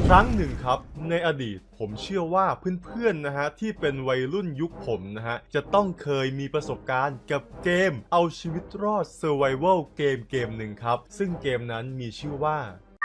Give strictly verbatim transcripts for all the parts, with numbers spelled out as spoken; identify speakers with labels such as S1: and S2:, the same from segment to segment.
S1: ครั้งหนึ่งครับในอดีตผมเชื่อว่าเพื่อนๆนะฮะที่เป็นวัยรุ่นยุคผมนะฮะจะต้องเคยมีประสบการณ์กับเกมเอาชีวิตรอด Survival เกมเกมหนึ่งครับซึ่งเกมนั้นมีชื่อว่า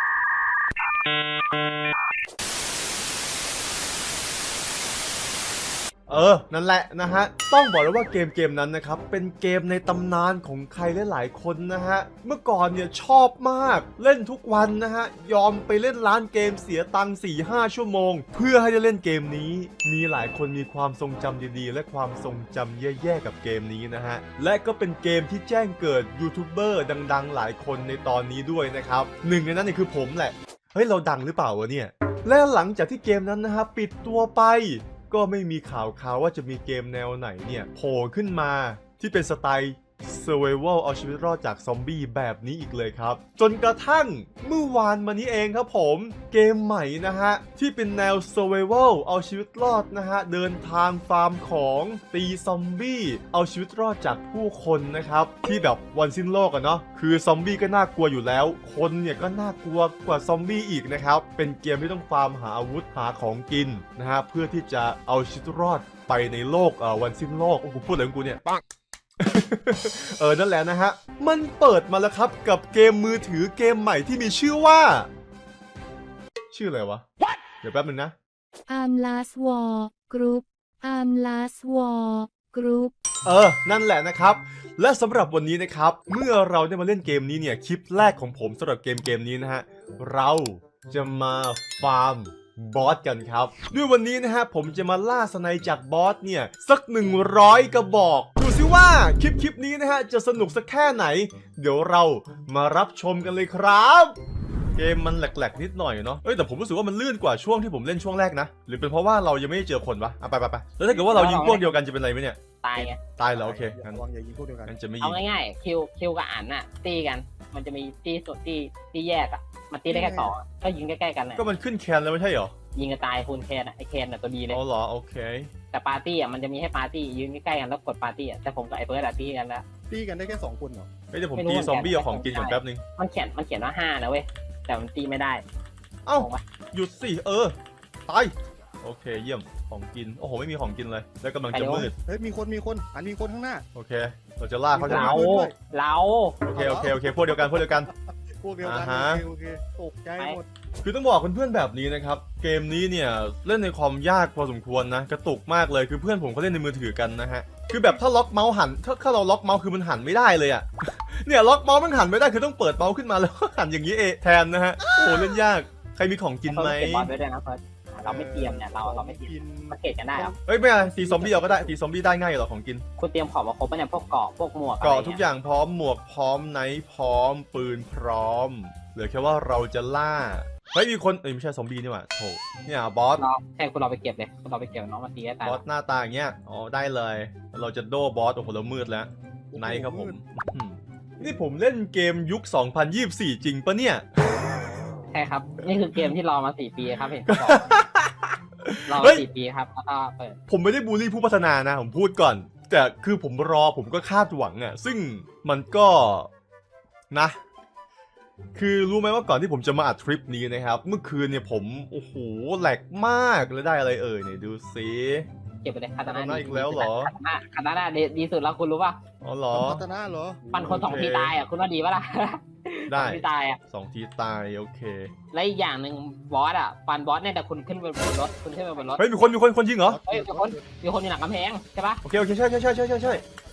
S1: เออนั่นแหละนะฮะต้องบอกเลยว่าเกมเกมนั้นนะครับเป็นเกมในตำนานของใครหลายๆคนนะฮะเมื่อก่อนเนี่ยชอบมากเล่นทุกวันนะฮะยอมไปเล่นร้านเกมเสียตังค์ สี่ห้า ชั่วโมงเพื่อให้ได้เล่นเกมนี้มีหลายคนมีความทรงจำดีๆและความทรงจำแย่ๆกับเกมนี้นะฮะและก็เป็นเกมที่แจ้งเกิดยูทูบเบอร์ดังๆหลายคนในตอนนี้ด้วยนะครับหนึ่งในนั้นเนี่ยคือผมแหละเฮ้ยเราดังหรือเปล่าวะเนี่ยและหลังจากที่เกมนั้นนะฮะปิดตัวไปก็ไม่มีข่าวข่าวว่าจะมีเกมแนวไหนเนี่ยโผล่ขึ้นมาที่เป็นสไตล์ Survival เอาชีวิตรอดจากซอมบี้แบบนี้อีกเลยครับจนกระทั่งเมื่อวานมานี้เองครับผมเกมใหม่นะฮะที่เป็นแนว Survival เอาชีวิตรอดนะฮะเดินทางฟาร์มของตีซอมบี้เอาชีวิตรอดจากผู้คนนะครับที่แบบวันสิ้นโลกอะเนาะคือซอมบี้ก็น่ากลัวอยู่แล้วคนเนี่ยก็น่ากลัวกว่าซอมบี้อีกนะครับเป็นเกมที่ต้องฟาร์มหาอาวุธหาของกินนะฮะเพื่อที่จะเอาชีวิตรอดไปในโลกเอ่อวันสิ้นโลกโอ้กูพูดอะไรของกูเนี่ยเออนั่นแหละนะฮะมันเปิดมาแล้วครับกับเกมมือถือเกมใหม่ที่มีชื่อว่าชื่ออะไรวะ What? เดี๋ยวแป๊บนึงนะ
S2: Arm Last War Group Arm Last War Group
S1: เออนั่นแหละนะครับและสำหรับวันนี้นะครับเมื่อเราได้มาเล่นเกมนี้เนี่ยคลิปแรกของผมสำหรับเกมเกมนี้นะฮะเราจะมาฟาร์มบอสกันครับด้วยวันนี้นะฮะผมจะมาล่าสไนจากบอสเนี่ยสักหนึ่งร้อยกระบอกดูซิว่าคลิปคลิปนี้นะฮะจะสนุกสักแค่ไหนเดี๋ยวเรามารับชมกันเลยครับเกมมันแหลกๆนิดหน่อยเนาะเอ้ยแต่ผมรู้สึกว่ามันลื่นกว่าช่วงที่ผมเล่นช่วงแรกนะหรือเป็นเพราะว่าเรายังไม่ได้เจอคนวะอ่ะไปไปไปแล้วถ้าเกิดว่าเรายิงพวกเดียวกันจะเป็นไรไหมเนี่ย
S3: ตายไง
S1: ตายเหรอโอเคงั้น
S4: วางอย่ายิงพวกเดียวกัน
S1: งั้นจะไม่ยิ
S3: เอา
S1: ง
S3: ง่ายๆคิวคิวกับอันน่ะตีกันมันจะมีตีสุดตีตีแยกอ่ะมันตีได้แค่สองก็ยิงใกล้ๆกันเลย
S1: ก็มันขึ้นแคนแล้วไม่ใช่เหรอ
S3: ยิงกระตายคูณแคนอ่ะไอแคนอ่ะตัวดีเลย
S1: อ๋อเหรอโอเค
S3: แต่ปาร์ตี้อ่ะมันจะมีให้ปาร์ตี้ยืนใกล้ๆกันแล้วกดปาร์ตี้อ่ะแต่ผมกับไอเฟิร์สอ่ะตีกันแล้ว
S4: ตีกันได้แค่สองคนเหรอ
S1: เฮ้ยเดี๋ยวผมตีซอมบี้เอาของกินก่อนแป๊บนึง
S3: มันเขียนมันเขียนว่าห้านะเว้ยแต่มันตีไม่ได้
S1: เอ้าหยุดสิเออตายโอเคเยี่ยมของกินโอ้โหไม่มีของกินเลยแล้วกำลังจะมืด
S4: เฮ้ยมีคนมีคนอันมีคนข้างหน้า
S1: โอเคเราจะล่าเขาจะ
S3: เรา
S1: มา
S3: เรา
S1: โอเคโอเคโอเคพวกเดียวกันพวกเดียวกัน
S4: พวกเดียวกัน
S1: อ่าฮะ
S4: โอเคโอเคตกใจหมด
S1: คือต้องบอกเพื่อนๆแบบนี้นะครับเกมนี้เนี่ยเล่นในความยากพอสมควรนะกระตุกมากเลยคือเพื่อนผมเขาเล่นในมือถือกันนะฮะคือแบบถ้าล็อกเมาส์หันถ้าถ้าเราล็อกเมาส์คือมันหันไม่ได้เลยอะ เนี่ยล็อกเมาส์มันหันไม่ได้คือต้องเปิดเมาส์ขึ้นมาแล้วหันอย่างนี้เองแทนนะฮะโอ้เล่นยากใครมีของกินไหม
S3: เก็บบอลไว้ด้วยนะเฟิร์สเราไม่เตรียมเนี่ยเราเราไม่เตรียมมาเก็บกันได้ครับ
S1: เฮ้ยไม่อะไรตีซอมบี้เอาก็ได้ตีซอมบี้ได้ง่ายเหรอของกิน
S3: คุณเตรียมของมาครบปะเนี่ยพวกเกาะพวกหมวก
S1: เกาะทุกอย่างพร้อมหมวกพร้อมไนท์พร้อมปืนพร้อมเหลือแค่ว่าเราจะล่าเฮ้ยมีคนเอ้ยไม่ใช่ซอมบี้นี่หว่าโถเนี่ยบอส
S3: เราแค่คุณเราไปเก็บเลยคุณเราไปเก็บน้องมาตีให้ตาย
S1: บอสหน้าตาอย่างเงี้ยอ๋อได้เลยเราจะโดบอสโอ้โหเรามืดแล้วไนท์ครับผมอืมนี่ผมเล่นเกมยุคสองพันยี่สิบสี่จริงปะเนี่ย
S3: ใช่ครับนี่คือเกมที่รอมาสี่ปีครับเห็นเขาบอกรอ
S1: เฮ้
S3: มาย สี่ปีครับแล้วก็เปิด
S1: ผมไม่ได้บูลลี่ผู้พัฒนานะผมพูดก่อนแต่คือผมรอผมก็คาดหวังอะซึ่งมันก็นะคือรู้ไหมว่าก่อนที่ผมจะมาอัดทริปนี้นะครับเมื่อคืนเนี่ยผมโอ้โหแหลกมากแล้วได้อะไรเอ่ยเนี่ยดูสิ
S3: เก็บไปเลยคาตา
S1: คาตา
S3: น่า
S1: น่าอีกแล้วเหรอ
S3: คาตาน่าคาตาน่าดีดีสุดแล้วคุณรู้ป่ะ
S1: อ๋อเหรอ
S4: พัฒนาเหรอ
S3: ปันคนสองทีตายอ่ะคุณว่าดีป่ะล่ะ
S1: ได้
S3: สองทีตายอ่ะ
S1: สองทีตายโอเค
S3: และอีกอย่างหนึ่งบอสอ่ะปันบอสเนี่ยแต่คุณขึ้นไปบนรถคุณขึ้นไปบนรถ
S1: เฮ้ยมีคนมีคนคนจริงเหรอ
S3: เฮ้ยมีคนมีคนอยู่หลังกำแพงใช่ป่ะ
S1: โอเคโอเคใช่ใช่ใช่ใช่ใช่ใช่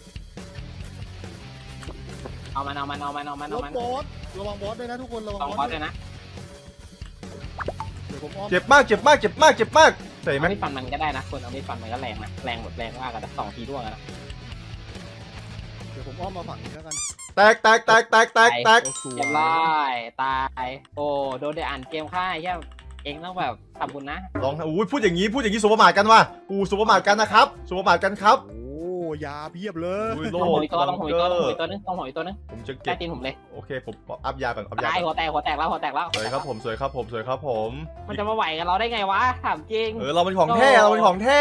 S3: เอามันเอามันเอามันเอามัน
S4: ร
S3: เอา
S4: ถ
S3: มัน
S4: บอสระวังบอสด้วยนะทุกคนระวัง
S3: สอง
S4: บบ
S3: อ
S4: อ
S3: ส
S4: ส
S3: เลยนะ
S4: เดี๋ยวผมอ้อม
S1: เจ็บมากเจ็บมากเจ็บมากเจ็บมากใส่ไหม
S3: เอามีดฟันมันก็ได้นะคุณเอามีดฟันมันก็แรงนะแรงหมดแรงมากกันนะสองทีร่วงกันนะ
S4: เดี๋ยวผมอ้อมมาฝั่งนี้แล้วกัน
S1: แตกแตกแตกแตกแตกแตก
S4: โอ้สวย
S3: เรียบร้อยตายโอ้โดนได้อ่านเกมค่ายแค่เองต้องแบบทำบุญนะ
S1: ลองอุ้ยพูดอย่างนี้พูดอย่างนี้สุภาพมาทกันว่ะอู้สุภาพมาทกันนะครับสุภาพมาทกันครับ
S4: โอ้ยาเพียบเลย
S1: อุ้ยโล
S3: ต้องห
S1: ด
S3: อยตัวต้องหอยตัวต้องหอยตัวนึงต้องหอยตัวนึง
S1: ผมจะ
S3: ใต้
S1: เก็บ
S3: ตีนผมเลย
S1: โอเคผมอัพยาก่อนอัพยา
S3: ตาย
S1: ก่
S3: หั
S1: อน
S3: วแตกหัวแตกแล้วหัวแตกแล้ว
S1: สวยครับผมสวยครับผมสวยครับผม
S3: มันจะมาไหวกับเราได้ไงวะถามจริง
S1: เออเราเป็นของแท้เราเป็นของแท้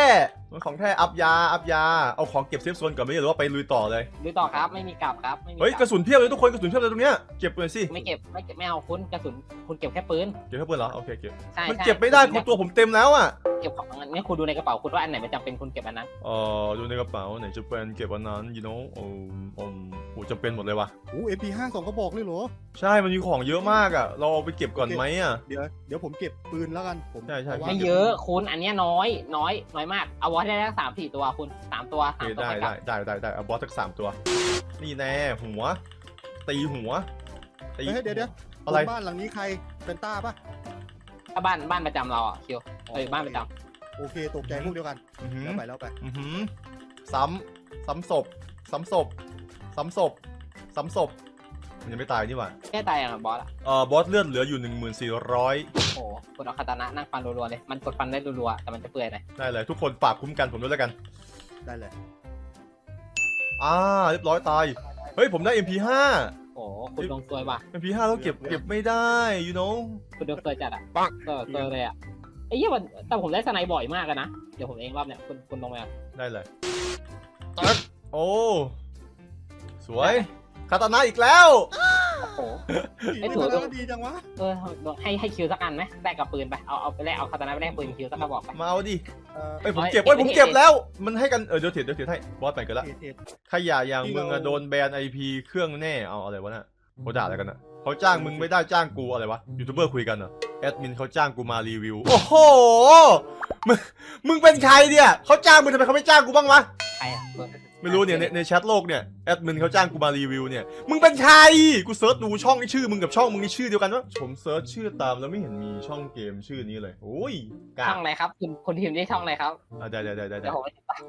S1: มันของแท้อัพยาอัพยาเอาของเก็บเซฟโซนก่อนไหมหรือว่าไปลุยต่อเลย
S3: ดูต่อครับไม่มีกลับครับไม่มี
S1: เฮ้ย
S3: ก
S1: ก
S3: ลับ
S1: ระสุนเพียบเลยทุกคนกระสุนเพียบเลยตรงเนี้ยเก็บเลยสิ
S3: ไม่เก็บไม่เก็บไม่เอาคุณกระสุนคุณเก็บแค่ปืน
S1: เก็บแค่ปืนเหรอโอเคเก็บ
S3: ใช่
S1: มัน
S3: ใช่
S1: เก็บไม่ได้คุณตัวผมเต็มแล้วอ่ะ
S3: เก็บของงั้นคุณดูในกระเป๋าคุณว่าอันไหนมันจำเป็นคุณเก็บอันนั้น
S1: เอ่อดูในกระเป๋าไหนจะเป็นเก็บอันนั้น you know โอ้โอ้โหจำเป็นหมดเลยว่ะ
S4: โอ้เอ็มพีห้าสองกระบอกเลยเหรอ
S1: ใช่มันมีของเยอะมากอ่ะเราเอาไปเก็บก่อนไหมอ่ะ
S4: เดี๋ยวเดี๋ยวผมเก็บปืนแล้วกันผม
S1: ใช่ใช่
S4: พราว่า
S3: ไม่เยอะคุณอันเนี้ยน้อยน้อยน้อยมากเอาไว้ได้แค่สามสี่ตัวคุณสามตัว
S1: โอ
S3: สาม
S1: เค
S3: ตัว
S1: ได้
S3: ไปกลั
S1: ได้
S3: บ
S1: ได้ได้ได้เอาบอสสักสามตัว นี่แน่หัว ตีหัวตี
S4: เฮ้ยเดี๋ยวเดี๋ยว
S1: อะไร
S4: บ้านหลังนี้ใครเป็นต้าปะ
S3: ถ้าบ้านบ้านประจำเราอ่ะคิวเออบ้านประจ
S4: โอเคตกใจพวกเดียวกัน
S1: อือหือ
S4: แล้วไปแล้วไป
S1: อือหือซ้ำซ้ำศพซ้ำศพซ้ำศพซ้ำศพมันยังไม่ตายนี่หว่า
S3: ำแค่ตายอย่างบอสอ่ะ
S1: เอ่อบอสเลือดเหลืออยู่หนึ่งหมื่นสี่ร้อย
S3: โอ้โหคุณเอาคาตานะนั่งฟันรัวๆเลยมันกดฟันได้รัวๆแต่มันจะเปื่อยหน่อย
S1: ได้เลยทุกคนฝากคุ้มกันผมด้วยแล้วกัน
S4: ได้เลย
S1: อ่าเรียบร้อยตาย เฮ้ยผมได้ เอ็ม พี ห้า
S3: โอ้โหคุณดวงซวยว่ะ
S1: เอ็ม พี ห้า แล้วเก็บเก็บไม่ได้ you know
S3: คุณดวงซวยจัดอ่ะเออซวยเลยอ่ะไอ้เหี้ยมันแต่ผมได้สไนบ่อยมากอะนะเดี๋ยวผมเองรอบเนี้ยคุณคุณลงมา
S1: ได้เลยตัดโอ้สวยคาตานะอีกแล้ว
S3: โอ้โห ไอ้
S4: ไอ้
S3: ถั่
S4: ตัว
S3: ว
S4: นั้นดีจังวะ
S3: เออให้ให้คิวสักอันไหมแลกกับปืนไปเอาเอาไปแลกเอาคาตานะไปแลกปืนคิวสักกระบอกไป
S1: มาเอาดิ
S4: เออ
S1: เอ้ยผม
S3: เอ้ย
S1: เก็บเอ้ยผม
S3: เก็บ
S1: เก็บ
S3: เก็บ
S1: แล้ว มันให้กันเออเดี๋ยวเถียเดี๋ยวเถียให้บอสไปกันละ
S4: เอ็ดเอ็ด
S1: ขยะอย่าง
S4: ที่
S1: มึงอะ
S4: เรา
S1: โดนแบนไอพีเครื่องแน่เอาอะไรวะน่ะเขาด่าอะไรกันอะเขาจ้างมึงไม่ได้จ้างกูอะไรวะยูทูบเบอร์คุยกันเหรอแอดมินเขาจ้างกูมารีวิวโอ้โหมึงมึงเป็นใครเนี่ยเขาจ้างมึงทำไมเขาไม่จ้างกูบ้างวะ
S3: ใครอ่ะ
S1: ไม่รู้เนี่ยในในแชทโลกเนี่ยแอดมินเขาจ้างกูมารีวิวเนี่ยมึงเป็นใครกูเซิร์ชดูช่องนี่ชื่อมึงกับช่องมึงนี่ชื่อเดียวกันวะผมเซิร์ชชื่อตามแล้วไม่เห็นมีช่องเกมชื่อนี้เลยโอ้ยกา
S3: ช่องอะไรครับคุณคุณทีมได้ช่องอะไรครับ
S1: อ่ะได้ได้ได้ได้
S3: เดี๋ยวผมไปติดตาม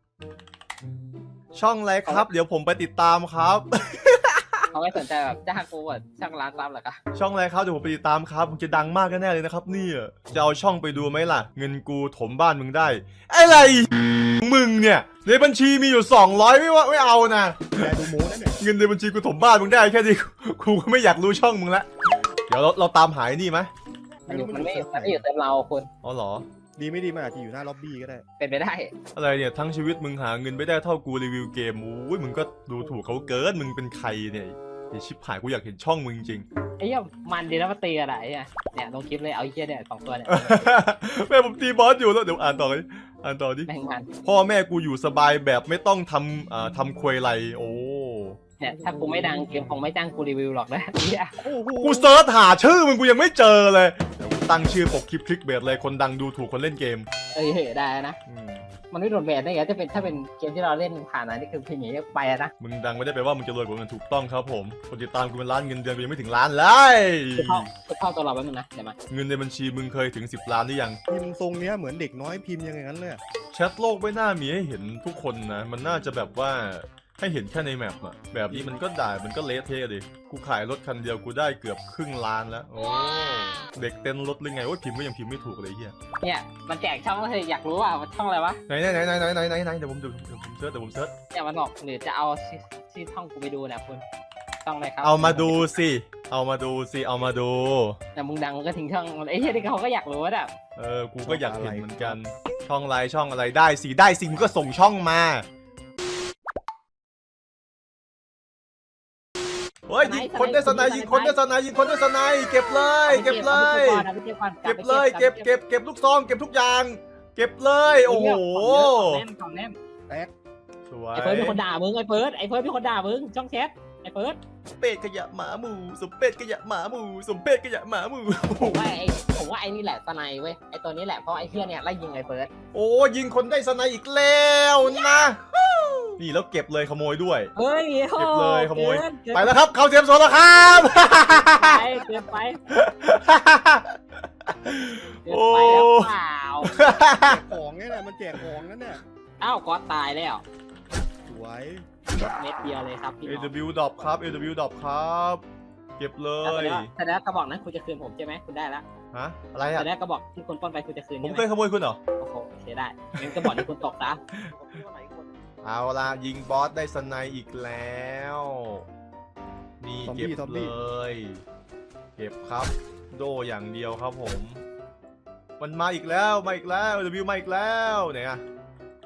S1: ช่องอะไรครับ เดี๋ยวผมไปติดตามครับ
S3: เขาไม่สนใจแบบจ้างกูแบบช่างร้านซับเหรอคะ
S1: ช่องอะไรครับเดี๋ยวผมไปติดตามครับมึงจะดังมากแน่ๆเลยนะครับเนี่ยจะเอาช่องไปดูไหมล่ะ เงินกูถมบ้านมึงได้อะไรมึงเนี่ยในบัญชีมีอยู่สองร้อยไม่ว่าไม่เอานะ
S4: แกดูโม้นั่นเนี่ย
S1: เงินในบัญชีกูถมบ้านมึงได้แค่นี้กูก็ไม่อยากรู้ช่องมึงละเดี๋ยวเราเราตามหายนี่ไหม
S3: มันอยู่มันไม่มันไม่อยู่เต็มเราคุณ
S1: อ๋อเหรอ
S4: ดีไม่ดีมันอาจจะอยู่หน้าล็อบบี้ก็ได้
S3: เป็นไปได้
S1: อะไรเนี่ยทั้งชีวิตมึงหาเงินไม่ได้เท่ากูรีวิวเกมโอ้ยมึงก็ดูถูกเขาเกินมึงเป็นใครเนี่ยไอชิบหายกูอยากเห็นช่องมึงจริง
S3: ไอ้เหี้ยมันดีนะมาตีอะไรเนี่ยเนี่ยลงคลิปเลยเอาไอ้เหี้ยเนี่ยสองตัวเนี่ย
S1: แม่ผมตีบอสอยู่แล้วเดี๋ยวอ่านต่อเลยอ่านต่อดิ
S3: แม่งมัน
S1: พ่อแม่กูอยู่สบายแบบไม่ต้องทำอ่าทำควยไรโอ้
S3: เนี่ยถ้ากูไม่ดังเกมคงไม่จ้างกูรีวิวหรอกนะไอ้เหี้ย
S4: โอ้โห
S1: กูเซิร์ชหาชื่อมึงกูยังไม่เจอเลยเดี๋ยวกูตั้งชื่อปกคลิปคลิกเบสเลยคนดังดูถูกคนเล่นเกม
S3: เอ้ยได้นะ
S1: อืม
S3: มันไม่โดนแบนได้ไงจะเป็นถ้าเป็นเกมที่เราเล่นผ่านนะนี่คือเพลงอย่างนี้ไปอะนะ
S1: มึงดังไม่ได้แปลว่ามึงจะรวยกว่าเงินถูกต้องครับผมคนติดตามกูเป็นล้านเงินเดือนกูยังไม่ถึงล้านเลย
S3: คือเข้าคือเข้าตัวเราแป๊บนึงนะเดี๋ยวมา
S1: เงินในบัญชีมึงเคยถึงสิบล้านหรือยัง
S4: พิมพ์ทรงเนี้ยเหมือนเด็กน้อยพิมพ์ยังไงงั้นเลยอะ
S1: แชทโลกไม่น่ามีให้เห็นทุกคนนะมันน่าจะแบบว่าให้เห็นแค่ในแมปอะแบบนี้มันก็ด่ามันก็เละเทะดิกูขายรถคันเดียวกูได้เกือบครึ่งล้านแล้วโอ้เด็กเต้นรถหรือไงโอ้ยพิมพ์ก็ยังพิมพ์ไม่ถูกเลยเฮีย
S3: เนี่ยมันแจกช่องเลยอยากรู้ว่ามันช่องอะไรวะ
S1: ไหนไหนไหนไหนไหนไหนไหนเดี๋ยวผมดูเดี๋ยวผมเซิร์ชเดี๋ยวผมเซิร์ช
S3: เนี่ยมันบอกหรือจะเอาชื่อชื่อช่องกูไปดูเนี่ยคุณช่องอะไรครับ
S1: เอามาดูสิเอามาดูสิเอามาดู
S3: แต่มึงดังมึงก็ทิ้งช่องไอ้เหี้ยนี่เขาก็อยากรู้ว่าแบบ
S1: เออกูก็อยากเห็นเหมือนกันช่องอะไรช่องอะไรได้สิได้สิมึงก็ส่งช่องมาเฮ้ยยิงคนได้สไนด์ยิงคนได้สไนด์ยิงคนได้สไนด์เก็บเลยเก็บเลย เก็บเลยเก็บเก็บเก็บลูกซองเก็บทุกอย่าง เก็บเลยโอ้โห
S3: แน่นของแน่น
S4: แตก
S1: สวย
S3: ไอ้เฟิร์สเป็นคนด่ามึงไอ้เฟิร์สไอ้เฟิร์สเป็นคนด่ามึงช่องแชทไอ้เฟิร์ส
S1: เป็ดขยะหมาหมูสมเป็ดขยะหมาหมูสมเป็ดขยะหมาหมู
S3: ผมว่าไอ้ผมว่าไอ้นี่แหละสไนเว้ยไอ้ตัวนี้แหละเพราะไอ้เหี้ยเนี่ยไล่ยิงไอ้เฟิร์ส
S1: โอ้ยิงคนได้สไนด์อีกแล้วนะนี่แล้วเก็บเลยขโมยด้วย
S3: เฮ้ย
S1: เก็บเลยขโมย
S3: เกินเกิน
S1: ไปแล้วครับเข้าเทียมโซนแล้วครับ
S3: ไปเกินไปเกินไปแล้วเปล่า
S4: แจกของเนี่ยแหละมันแจกของนั่นเนี่ย
S3: อ้าวก็ตายแล้ว
S4: สวย
S3: เม็ดเดียวเลยครับพี่
S1: เอ
S3: น้อง
S1: วดรอปครับ เอ วดรอปครับ เก็บเล
S3: แต่
S1: ย
S3: แล้วแต่แล้วกระบอกนั้นคุณจะคืนผมใช่ไหมคุณได้แล้ว
S1: ฮะอะไร
S3: แต่
S1: อ่ะ
S3: แล้วกระบอกที่คุณปล้นไปคุณจะคืน
S1: ผม
S3: ใช่ไห
S1: เค
S3: ม
S1: ยขโมยคุณเหรอ
S3: โอ้โหเสียได้งั้นกระบอกที่คุณตกซะ
S1: เอาล่ะยิงบอสได้สไนด์อีกแล้ว นี่เก็บเลย เก็บครับ โดอย่างเดียวครับผม มันมาอีกแล้วมาอีกแล้วเดบิวมาอีกแล้วไหนอะ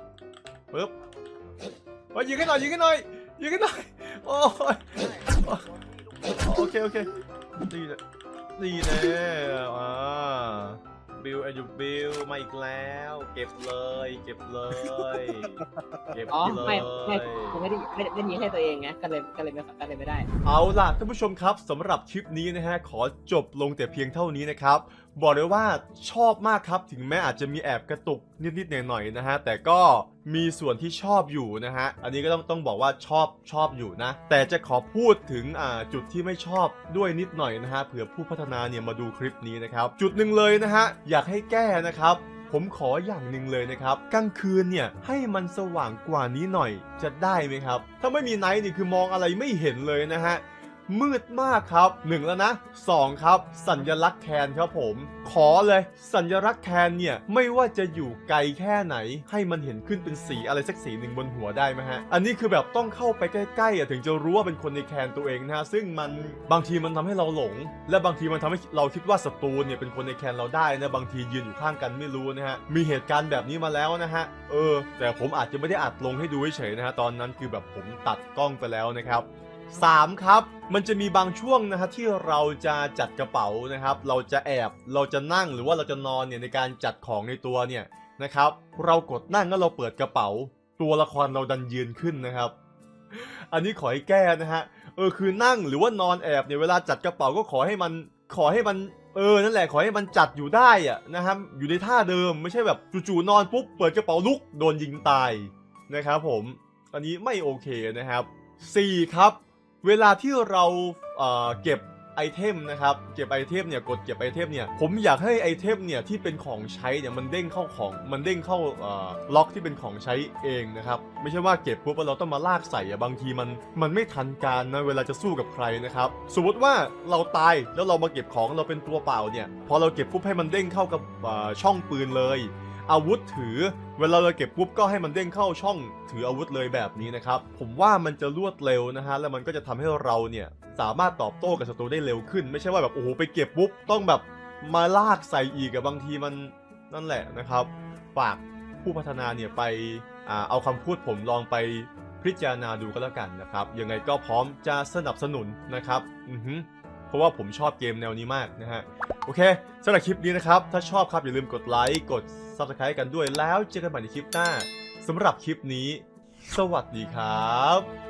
S1: ปึ๊บเฮ้ยยิงให้หน่อยยิงให้หน่อยยิงให้หน่อยโอ้ยโอเคโอเคดีนะดีนะอ่าบิลไอยูบิลมาอีกแล้วเก็บเลยเก็บเลยเก็บ
S3: อ๋อ
S1: เลย
S3: ไม่ไม่ผมไม่ได้ไม่ได้ไม่ได้ยิงให้ตัวเองไงก็เลยก็เลยไม่ก็เลยไม่ได้
S1: เอาล่ะท่านผู้ชมครับสำหรับคลิปนี้นะฮะขอจบลงแต่เพียงเท่านี้นะครับบอกเลยว่าชอบมากครับถึงแม้อาจจะมีแอบกระตุกนิดๆหน่อยๆนะฮะแต่ก็มีส่วนที่ชอบอยู่นะฮะอันนี้ก็ต้องต้องบอกว่าชอบชอบอยู่นะแต่จะขอพูดถึงอ่าจุดที่ไม่ชอบด้วยนิดหน่อยนะฮะเผื่อผู้พัฒนาเนี่ยมาดูคลิปนี้นะครับจุดหนึ่งเลยนะฮะอยากให้แก้นะครับผมขออย่างหนึ่งเลยนะครับกลางคืนเนี่ยให้มันสว่างกว่านี้หน่อยจะได้ไหมครับถ้าไม่มีไนท์นี่คือมองอะไรไม่เห็นเลยนะฮะมืดมากครับหนึ่งแล้วนะสองครับสัญลักษณ์แคนครับผมขอเลยสัญลักษณ์แคนเนี่ยไม่ว่าจะอยู่ไกลแค่ไหนให้มันเห็นขึ้นเป็นสีอะไรสักสีหนึ่งบนหัวได้ไหมฮะอันนี้คือแบบต้องเข้าไปใกล้ๆอ่ะถึงจะรู้ว่าเป็นคนในแคนตัวเองนะฮะซึ่งมันบางทีมันทำให้เราหลงและบางทีมันทำให้เราคิดว่าศัตรูเนี่ยเป็นคนในแคนเราได้นะบางทียืนอยู่ข้างกันไม่รู้นะฮะมีเหตุการณ์แบบนี้มาแล้วนะฮะเออแต่ผมอาจจะไม่ได้อัดลงให้ดูเฉยๆนะฮะตอนนั้นคือแบบผมตัดกล้องไปแล้วนะครับสามครับมันจะมีบางช่วงนะฮะที่เราจะจัดกระเป๋านะครับเราจะแอบเราจะนั่งหรือว่าเราจะนอนเนี่ยในการจัดของในตัวเนี่ยนะครับเรากดนั่งแล้วเราเปิดกระเป๋าตัวละครเราดันยืนขึ้นนะครับอันนี้ขอให้แก้นะฮะเออคือนั่งหรือว่านอนแอบเนี่ยเวลาจัดกระเป๋าก็ขอให้มันขอให้มันเออนั่นแหละขอให้มันจัดอยู่ได้อะนะครับอยู่ในท่าเดิมไม่ใช่แบบจู่ๆนอนปุ๊บเปิดกระเป๋าลุกโดนยิงตายนะครับผมอันนี้ไม่โอเคนะครับสี่ครับเวลาที่เราเอ่อเก็บไอเทมนะครับเก็บไอเทมเนี่ยกดเก็บไอเทมเนี่ยผมอยากให้ไอเทมเนี่ยที่เป็นของใช้เนี่ยมันเด้งเข้าของมันเด้งเข้าเอ่อล็อกที่เป็นของใช้เองนะครับไม่ใช่ว่าเก็บปุ๊บแล้วเราต้องมาลากใส่อะบางทีมันมันไม่ทันการนะเวลาจะสู้กับใครนะครับสมมติว่าเราตายแล้วเรามาเก็บของเราเป็นตัวเปล่าเนี่ยพอเราเก็บปุ๊บให้มันเด้งเข้ากับเอ่อช่องปืนเลยอาวุธถือเวลาเราเก็บปุ๊บก็ให้มันเด้งเข้าช่องถืออาวุธเลยแบบนี้นะครับผมว่ามันจะรวดเร็วนะฮะแล้วมันก็จะทำให้เราเนี่ยสามารถตอบโต้กับศัตรูได้เร็วขึ้นไม่ใช่ว่าแบบโอ้โหไปเก็บปุ๊บต้องแบบมาลากใส่อีกอะบางทีมันนั่นแหละนะครับฝากผู้พัฒนาเนี่ยไปอ่าเอาคำพูดผมลองไปพิจารณาดูก็แล้วกันนะครับยังไงก็พร้อมจะสนับสนุนนะครับอือฮึเพราะว่าผมชอบเกมแนวนี้มากนะฮะโอเคสำหรับคลิปนี้นะครับถ้าชอบครับอย่าลืมกดไลค์กด ซับสไครบ์ กันด้วยแล้วเจอกันใหม่ในคลิปหน้าสำหรับคลิปนี้สวัสดีครับ